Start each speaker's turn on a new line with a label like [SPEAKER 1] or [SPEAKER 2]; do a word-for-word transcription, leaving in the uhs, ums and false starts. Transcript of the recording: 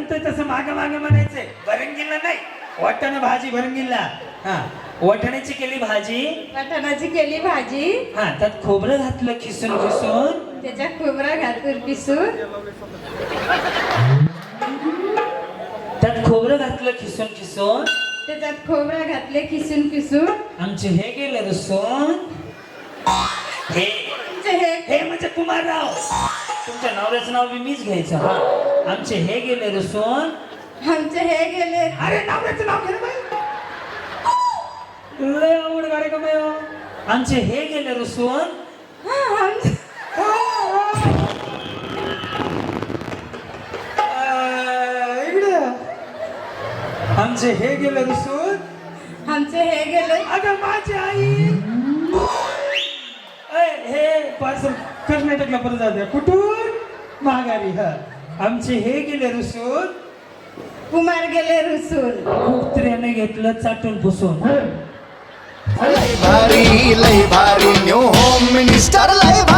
[SPEAKER 1] म्हणतोय तसं माग माग म्हणायचंय. भरंगीला नाही, वाटाणा भाजी भरंगीला. हा, वाटाण्याची केली भाजी.
[SPEAKER 2] वाटाणाची केली भाजी.
[SPEAKER 1] हा, त्यात खोबरं घातलं खिसून खिसून.
[SPEAKER 2] त्याच्यात खोबरं घालून पिसून.
[SPEAKER 1] त्यात खोबरं घातलं खिसून खिसून.
[SPEAKER 2] त्याच्यात खोबरं घातले खिसून खिसून.
[SPEAKER 1] आमचे हे गेले रसून. हे
[SPEAKER 2] हे
[SPEAKER 1] हे म्हणजे कुमारराव. तुमच्या नवऱ्याचं नाव बी मीच घ्यायचं. हा, आमचे हे गेले रसून.
[SPEAKER 2] आमचे हे गेले.
[SPEAKER 1] अरे नवऱ्याचं नाव घे बाई. लय आवड गाडी का बाई. आमचे हे गेले रसून.
[SPEAKER 2] हा, आमचे
[SPEAKER 1] इकडे आमचे हे गेले रसून.
[SPEAKER 2] आमचे हे गेले.
[SPEAKER 1] अगं माझी आई. अय, हे पार्सल कर्नाटकला परत जाते. कुठून? माघारी. हा, आमचे हे गेले रुसून.
[SPEAKER 2] कुमार गेले रुसून.
[SPEAKER 1] कुत्र्याने घेतलं चाटून पुसून.
[SPEAKER 3] लय भारी लय भारी न्यू होम मिनिस्टर लय भारी.